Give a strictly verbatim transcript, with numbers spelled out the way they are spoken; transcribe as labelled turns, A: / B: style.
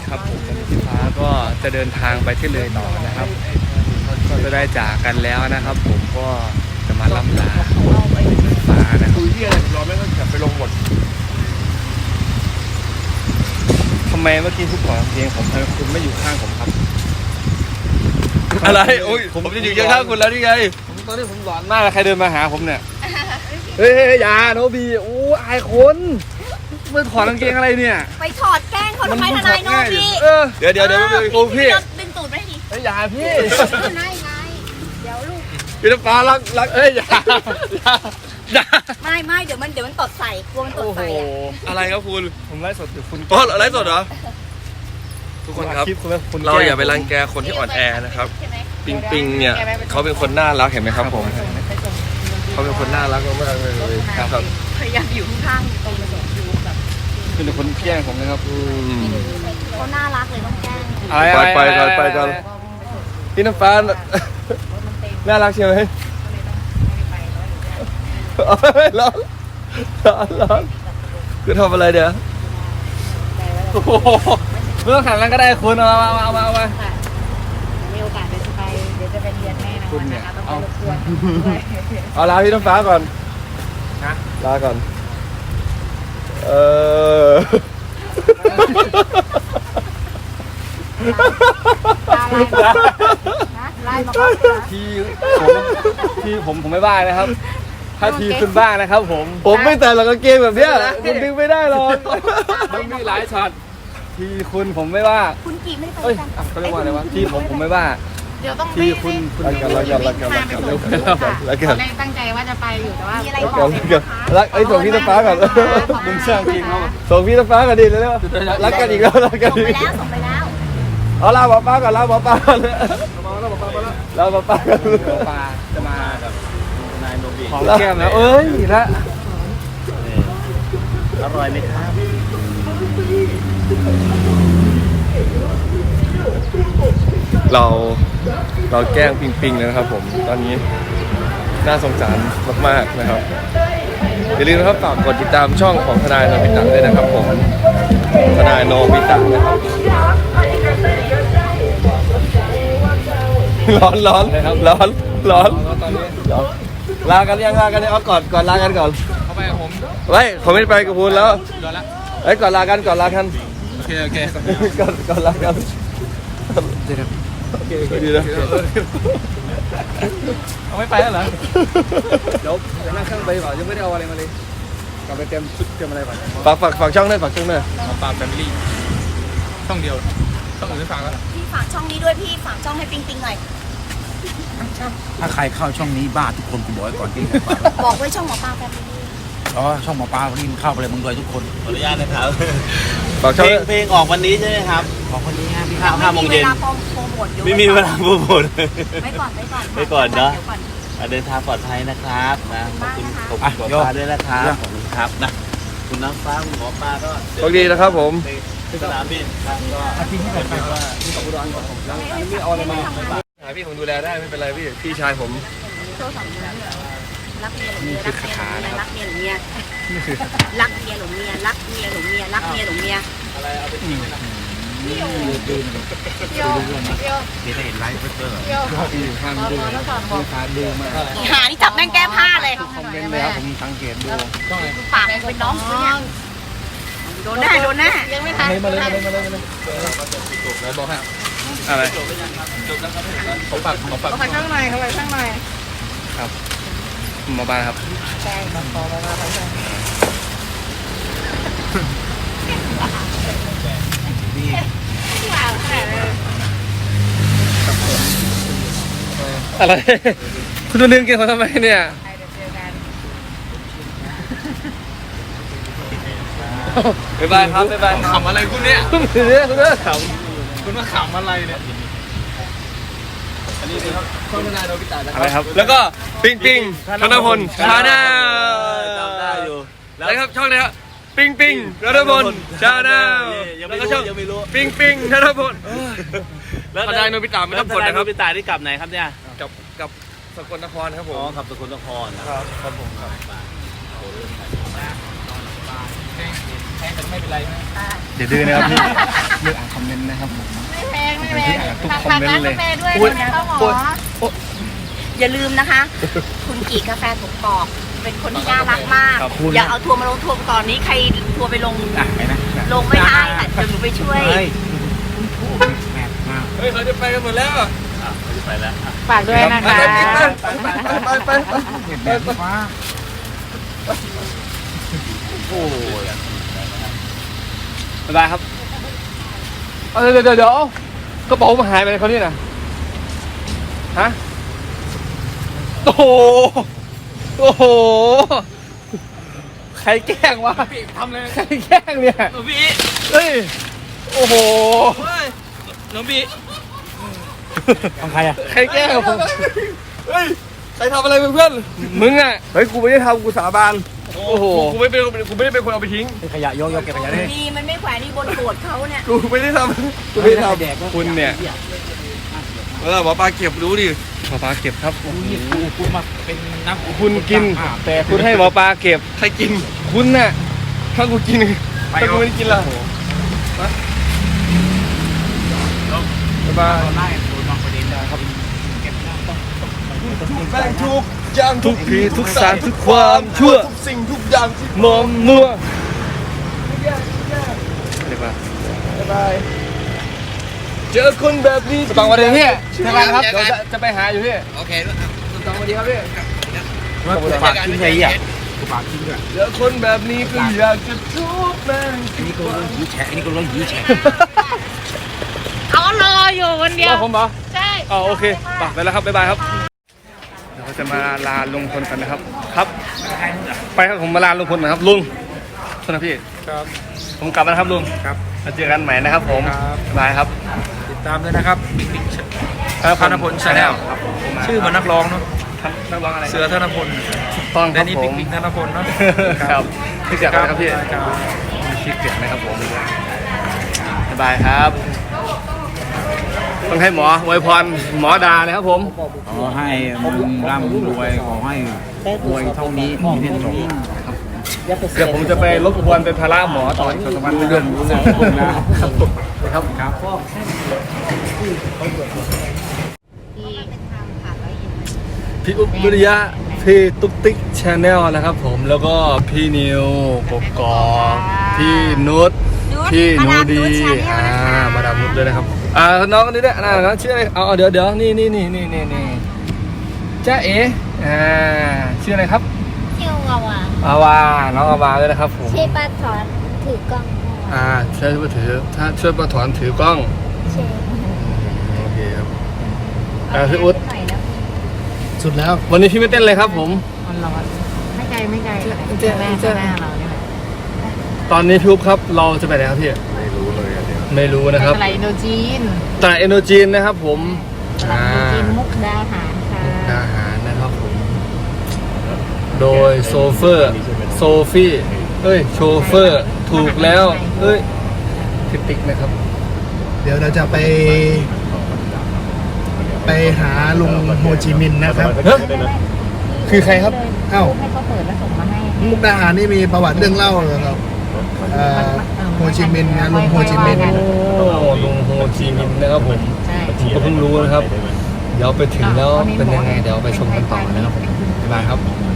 A: ครับผมวันนี้พี่ฟ้าก็จะเดินทางไปที่เลยต่อนะครับก็จะได้จากกันแล้วนะครับผมก็จะมาล่ำลาพี่ฟ้านะครับคุยที่อะไรรอไม่ต้องกลับไปลงบททำไมเมื่อกี้ทุกคนเพลงผมทำไมคุณไม่อยู่ข้างผมครับอะไรโอ้ยผมจะอยู่ข้างคุณแล้วนี่ไงผมตอนนี้ผมหลอนมากใครเดินมาหาผมเนี่ยเฮ้ยอย่าโนบีโอ้อายคนมึงถอดกางเกงอะไรเนี่ย
B: ไปถอดแกล้งเขาทำไมทนายโนบี
A: เดี๋ยวเดี๋ยวเดี๋ยวโอ้พี่
B: ดึงตูดไปดิ
A: เฮ้ยอย่าพี่
B: นายนายเดี๋ยวลูก
A: พี่น้ำฟ้ารักรักเอ้ยอย่าอย่า
B: ไม่ไม่เดี๋ยวมันเดี๋ยวมันตดใส่กลัวมันตดใส่
A: อะไรครับคุณผมไลฟ์สดอยู่คุณ
C: อ๋อไลฟ์สดเหรอทุกคนครับเราอย่าไปรังแกคนที่อ่อนแอนะครับปิงปิงเนี่ยเขาเป็นคนน่ารักเห็นไหมครับผมเขาเป็นคนน่ารักมากๆเลยครับ
B: พยายามอยู่ข้างตรงนี้อยู่แบบ
A: เป็นคนแกล้งผมนะครับ
B: เขาน่ารักเลยต้องแกล้ง
A: ไปไปก่อนไปก่อนพี่น้ำฟ้าน่ารักใช่ไหมร้อนร้อนร้อนคือทำอะไรเดี๋ยวโอ้โหเมื่อขันนั้นก็ได้คุณเอามาเอามาเอามา
B: มีโอกาสเดี๋ยวจะไปเดี๋ยวจะไปเรียนแน่นอนนะคะต้องไปรบกวน
A: เอาลาพี่น้ำฟ้าก่อนนะลาก่อนเออที่ผมที่ผมผมไม่บ้านะครับถ้าทีคุณบ้านะครับผมผมไม่แต่หรอกเกมแบบเนี้ยคุณดึงไม่ได้หรอกมันมีหลายช็อตทีคุณผมไม่ว่า
B: คุณกีไม่ได้ไป
A: กันเขาเรียกว่าอะไรวะทีผมผมไม่ว่า
B: เดี๋ยวต้อง
A: ทีคุณคุณรักกันรักกันรักกันรักกันรักกัน
B: แรกตั้งใจว่าจะไปอยู่แต่ว่ามีอะไรบ
A: อกกันรักไอ้ส่งพี่น้ำฟ้าก่อนมึงเชื่อจริงเขาส่งพี่น้ำฟ้าก่อนดิเลยรักกันอีกแล้วรักกันอีก
B: แล้วส่งไปแล้ว
A: เอาลาบอกป้าก่อนลาบอกป้าก่อนลาบอกป้าก่อนป้าจะมาแบบนายโนบิของแก้มแล้วเอ้ยละ
C: อร่อยไหมครับเราเราแกล้งปิงปิงเลยนะครับผมตอนนี้น่าสงสารมากๆนะครับอย่าลืมนะครับฝากกดติดตามช่องของทนายโนบิตะด้วยนะครับผมทนายโนบิตะนะครับร้อนร้อนร้อนร้อนลากันยังลากันเอาก่อนก่อนลากันก่อน
A: เข้าไปกับผม
C: ไว้ผมไม่ไปกับคุณแล้วไอ้ก่อนลากันก่อนลากัน
A: โอเคโอเค
C: ก่อนก่อนลากัน
A: เดี๋ยว
C: โอเคโอเคดีนะ
A: เอาไม่ไปแล้วเหรอเดี๋ยวจะนั่งเครื่องไปเปล่ายังไม่ได้เอาอะไรมาเลยกลับไปเต็มชุดเต็มอะไรก่อน
C: ฝากฝากฝากช่องด้วยฝากช่องด้วย
A: ฝากแฟมิลี่ช่องเดียวช่องอื่นไม่ฝากแล้ว
B: พี่ฝากช่องนี้ด้วยพี่ฝากช่องให้ปิงปิงหน่อย
D: ถ้าใครเข้าช่องนี้บ้าทุกคนกูบอกไว้ก่อนที่
B: บอกไว้ช่องหมอปลาแฟมิลี่
D: อ๋อช่องหมอปลาวันนี้มันเข้าไปเลยมึงด้วยทุกคน
C: ขออนุญาตนะครับฝากช่องเพลงออกวันนี้ใช่ไหมครับ
D: ออกวันนี้พี่
C: ข้าวห้าโมงเย็นไม่มีเวลาโปรโมท
B: ไม่ก่อนไม่ก่อน
C: ไม่ก่อนเนาะเดินทางปลอดภัยนะครับนะขอบคุณขอบคุณหมอปลาด้วยนะครับขอบคุณครับนะคุณน้ำฟ้าคุณหมอปลาก็โชคดีนะครับผมสนามบินครับก็อาทิตย์ที่ผ่านมาว่าที่ของอุดรของผมแล้วนี่เอาอะไรมาหาพี่ผมดูแลได้ไม่เป็นไรพี่พี่ชายผม
B: โชว์สองเรื่องรักเมียหลงเมียรักเมียรักเมียหลงเมียรักเมียหลงเมียรักเมียหลงเมียรักเมียหลงเมีย
C: อะไรเอาไปทิ้งนะ
D: พี่โยดูพี่โยพี่โยพี่ได้เห็นไลฟ์เตอร์
A: พี่อยู่ข้างดูลูกค้าดูมา
B: หาที่จับแม่งแก้ผ้าเลย
A: คอมเมนต์เลยครับผมสังเกตดู
B: ปากเป็นน้องเนี่ยโดนแน่โดนแน่ยังไม่ทัน
A: มาเลยมาเลยมาเลยมาเลยแล้วบอกให้อะไรเขาปักเขาปัก
B: เขาไปข้างในเขาไปข้างใน
A: ครับมาบ้านครับ
B: ใช่ครับพอมาบ้านใช่
A: อะไรคุณจะลืมเกี่ยวกับทำไมเนี่ยบ๊ายบายครับบ๊ายบายขำอะไรคุณเนี่ยคุณเนี่ยคุณเนี่ยขำคุณมาขำอะไรเนี่ยอันนี้ครับช่องทนายโนบิตะอะไรครับแล้วก็ปิงปิงธนพลชาแนล
C: จำได้อยู่
A: แล้วครับช่องนี้ครับปิงปิงธนพลชาแนลแล้วก็ช่องปิงปิงธนพลแล้วทนายโนบิตะไม่ต้องกดนะครับ
C: โนบิตะที่กลับไหนครับเนี่ย
A: กับกับสกลนครครับผม
C: อ๋อกับสกลนครนะครับ
A: ครับผมครับ
D: งแต่ไม่เป็นไรนะ
A: เดี๋ยวดื้อนะครับพี่เลือกอ่านคอมเมนต์นะครับผม
B: ไม่แพงไม่แพง
A: ทุก
B: ฝาก
A: คอม
B: ฝาก
A: เมน
B: ร้าน
A: ต์เล
B: กาย แฟด้วย
A: โอ๊ย
B: นะคะหมอ
A: โอ๊ยโอ๊ย
B: อย่าลืมนะคะ คุณกีกาแฟถูกปอกเป็นคนที่น่ารักมาก
A: ขอบคุณ
B: อย่าเอาทัวร์มาลงทัวร์ก่อนนี้ใครทัวร์ไปลง
D: อ่ะไปนะ
B: ลงไม่ได้ค่ะเดี๋ยวหนูไปช่วย
D: เฮ้ยแมทมาก
A: เฮ้ยเขาจะไปกันหมดแล้ว
C: อ่ะเขาจะไปแล้วอ่ะ
B: ฝากด้วยนะคะ
A: ไปไปไปไป
D: เห็นแบบฟ้า
A: โอ้ยบ๊ายบายครับเดี๋ยวเดี๋ยวเดี๋ยวกระเป๋ามันหายไปไหนเขาเนี่ยนะฮะโอ้โหโอ้โหใครแกล้งวะทำเลยใครแกล้งเนี่ย
C: น้องพี่
A: เฮ้ยโอ้โห
C: น้องพี่
D: ของใครอ่ะ
A: ใครแกล้งผมเฮ้ยใครทำอะไรเพื่อนมึงอ่ะเฮ้ยกูไม่ได้ทำกูสาบานโอ้โหกูไม่เป็นกูไม่ได้เป็นคนเอาไปทิ้ง
D: ขยะโยกโยกเก็บขยะได้
B: ดีมันไม่แขวนนี่บนโกรธเขาเนี่ย
A: กูไม่ได้ทำกูไม่ได้ทำคุณเนี่ยเออหมอปลาเก็บรู้ดิหมอปลาเก็บครับ
D: นี่กูกูมาเป็นน้ำ
A: คุณกินแต่คุณให้หมอปลาเก็บใครกินคุณน่ะถ้ากูกินถ้ากูไม่ได้กินล่ะบ๊ายบาย
D: ไล่โดนบางประเด็นนะครับเก็บน้ำต้อง
A: แม่งทุกอย่างทุกผีทุกสารทุกความชั่วทุกสิ่งทุกอย่างที่มอมมัวบ๊ายบายบ๊ายบายเจอคนแบบนี้ตองวันเดียวพี่ใช่ไหมครับเดี๋ยวจะจะไปหาอยู่พี่โอเคตองวันดีครับพี่
D: ว่ากูปากทิ้งไงอ่ะกูปากทิ้งอ่ะ
A: เจอคนแบบนี้ก็อยากจะทุบแม่ง
D: อันนี้ก็ร้อยหีแฉะอันนี้ก็ร้อยหีแฉะ
B: เขารออยู่คนเดียว
A: ว่าผมเหรอ
B: ใช่
A: อ๋อโอเคไปไปแล้วครับบ๊ายบายครับเดี๋ยวเราจะมาลาลุงพลกันนะครับครับไปครับผมมาลาลุงพลหนะครับลุงสวัสดีพี่
D: ครับ
A: ผมกลับมานะครับลุง
D: ครับ
A: มาเจอกันใหม่นะครับผม
D: ครับ
A: บ๊ายบายครับ
D: ติดตามด้วยนะครับบิ๊กบิ๊ก
A: ครับ
D: ธนพล Channel
A: ครับผม
D: ชื่อเหมือนนักร้องเนาะ
A: นักร้องอะไร
D: เสือธนพล
A: ต้องค
D: และ
A: รับ
D: นี่
A: ผ
D: บิ๊ก
A: ม
D: บิ๊กธนพลเนาะ
A: ครับพี่เกียรตินะครับพี่
D: ครับ
A: พี่เกียรตินะครับผมบ๊ายบายครับต้องให้หมออวยพรหมอดาเลยครับผม
D: ขอให้มึงร่ำรวยขอให้รวยเท่านี้มีเท่านี้
A: เดี๋ยวผมจะไปรบกวนเป็นภาระหมอต่ออีกสองสามวัน
D: เรื่องรู้นะนะครับ
A: ครับ
D: ครับ
A: พี่อุ๊บวิริยะพี่ตุ๊กติ๊กชาแนลนะครับผมแล้วก็พี่นิวกกอกพี่นุชพี่หนูดีอ่ามาดามนุชด้วยนะครับอ่าน้องคนนี้ด้วยนะน้องชื่ออะไรเอาเอาเดี๋ยวเดี๋ยวนี่นี่นี่นี่นี่นี่จ้าเอ๋อ่าชื่ออะไรครับ
E: ชื่อวาวา
A: อาวาน้องอาวาด้วยนะครับผม
E: ชื่อป้าถอนถือกล้อง
A: อ่าช่วยมาถือถ้าช่วยมาถอนถือกล้อง
E: ชื่อ
A: โอเคครับอ่าพี่อุ๊ด
E: หน่อยนะ
A: สุดแล้ววันนี้พี่ไม่เต้นเลยครับผม
B: มันร้อนไม่ไกลไม่ไกล
A: เจ๊
B: แม่
A: เจ๊
B: แม่เราเนี่ย
A: ตอนนี้พี่อุ๊บครับเราจะไปไหนครับพี่ไม่รู้เลยไม่รู้นะครับ
B: อะไรโนจีน
A: ตลาดเอโนจีนนะครับผม
B: ตลาดโนจีนมุกดาหารค่ะ
A: อาหารนะครับผม โดยโซเฟอร์โซฟี่เอ้ยโชเฟอร์ถูกแล้วเอ้ยพิติกนะครับ
F: เดี๋ยวเราจะไป ไปหาลุงโฮจิมินห์นะครับ
A: เฮ้ยคือใครครับ
F: เอ้า
B: ให้เขาเปิดแล้วส่งมาให้
F: มุกดาหารนี่มีประวัติเรื่องเล่าเหรอครับเอ่อโฮจิมินห์นะลุงโฮจิมินห์
A: โอ้ลุงโฮจิมินห์นะครับผม
B: ใช่
A: ผมก็เพิ่งรู้นะครับ เดี๋ยวไปถึงแล้วเป็นยังไงเดี๋ยวไปชมกันต่อนะครับผมบ๊ายบายครับ